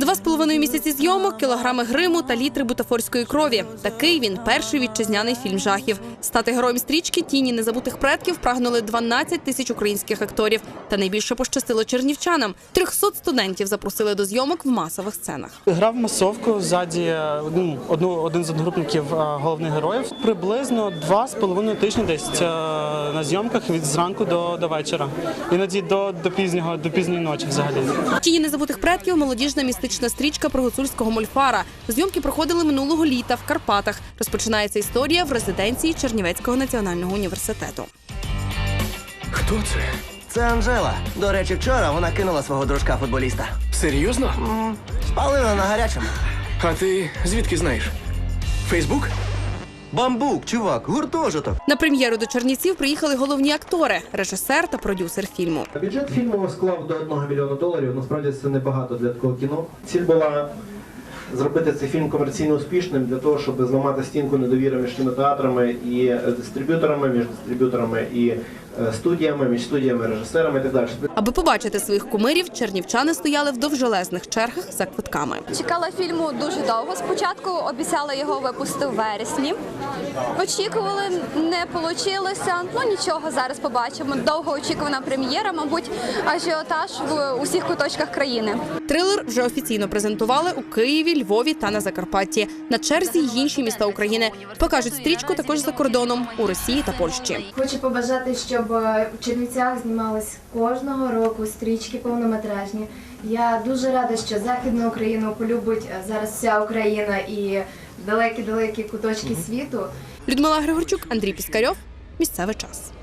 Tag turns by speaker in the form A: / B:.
A: 2,5 місяці зйомок, кілограми гриму та літри бутафорської крові. Такий він перший вітчизняний фільм жахів. Стати героєм стрічки «Тіні незабутих предків» прагнули 12 тисяч українських акторів. Та найбільше пощастило чернівчанам. 300 студентів запросили до зйомок в масових сценах.
B: Грав масовку, ззаді один з одногрупників головних героїв. Приблизно 2,5 тижні десь на зйомках від зранку до вечора. Іноді до пізньої ночі взагалі.
A: «Тіні незабутих предків» – молодіжна містична стрічка про гуцульського мольфара. Зйомки проходили минулого літа в Карпатах. Розпочинається історія в резиденції Чернівецького національного університету.
C: Хто це?
D: Це Анжела. До речі, вчора вона кинула свого дружка-футболіста.
C: Серйозно?
D: Спалила на гарячому.
C: А ти звідки знаєш? Фейсбук?
D: Бамбук, чувак, гуртожиток.
A: На прем'єру до Чернівців приїхали головні актори – режисер та продюсер фільму.
E: Бюджет фільму склав до $1 мільйона. Насправді це небагато для такого кіно. Ціль була зробити цей фільм комерційно успішним для того, щоб зламати стінку недовіри між кінотеатрами і дистриб'юторами, між дистриб'юторами і студіями, між студіями, режисерами і так далі.
A: Аби побачити своїх кумирів, чернівчани стояли в довжелезних чергах за квитками.
F: Чекала фільму дуже довго. Спочатку обіцяли його випустити у вересні. Очікували, не вийшло. Ну нічого, зараз побачимо. Довгоочікувана прем'єра, мабуть, ажіотаж в усіх куточках країни.
A: Трилер вже офіційно презентували у Києві, Львові та на Закарпатті. На черзі й інші міста України. Покажуть стрічку також за кордоном – у Росії та Польщі.
G: Хочу побажати, щоб в Чернівцях знімались кожного року стрічки повнометражні. Я дуже рада, що Західну Україну полюбить зараз вся Україна і далекі-далекі куточки світу.
A: Людмила Григорчук, Андрій Піскарьов. Місцевий час.